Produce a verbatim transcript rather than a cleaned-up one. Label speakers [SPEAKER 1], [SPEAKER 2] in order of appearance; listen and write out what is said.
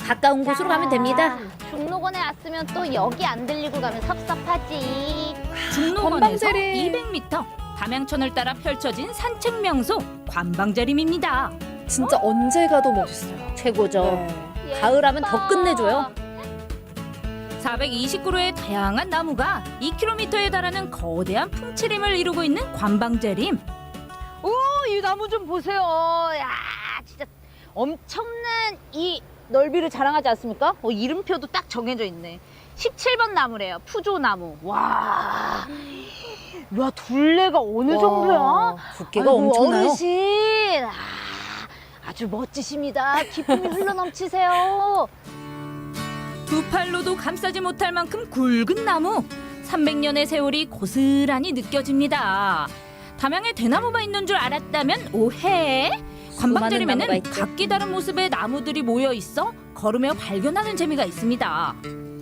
[SPEAKER 1] 가까운 곳으로 가면 됩니다.
[SPEAKER 2] 중록원에 왔으면 또 여기 안 들리고 가면 섭섭하지.
[SPEAKER 3] 중록원에서
[SPEAKER 1] 관방재림.
[SPEAKER 3] 이백 미터 담양천을 따라 펼쳐진 산책 명소 관방재림입니다.
[SPEAKER 1] 진짜 언제 가도 멋있어요.
[SPEAKER 3] 최고죠.
[SPEAKER 1] 네. 가을하면 더 끝내줘요.
[SPEAKER 3] 사백이십 그루의 다양한 나무가 이 킬로미터에 달하는 거대한 풍치림을 이루고 있는 관방재림.
[SPEAKER 2] 오, 이 나무 좀 보세요. 야, 진짜 엄청난 이 넓이를 자랑하지 않습니까? 어, 이름표도 딱 정해져 있네. 십칠 번 나무래요. 푸조나무. 와, 야, 둘레가 어느 정도야?
[SPEAKER 1] 두께가
[SPEAKER 2] 아이고,
[SPEAKER 1] 엄청나요.
[SPEAKER 2] 어르신, 아, 아주 멋지십니다. 기쁨이 흘러넘치세요.
[SPEAKER 3] 두 팔로도 감싸지 못할 만큼 굵은 나무. 삼백 년의 세월이 고스란히 느껴집니다. 담양에 대나무가 있는 줄 알았다면 오해.
[SPEAKER 1] 수많은 나무가
[SPEAKER 3] 관방재림에는
[SPEAKER 1] 있죠.
[SPEAKER 3] 각기 다른 모습의 나무들이 모여 있어 걸으며 발견하는 재미가 있습니다.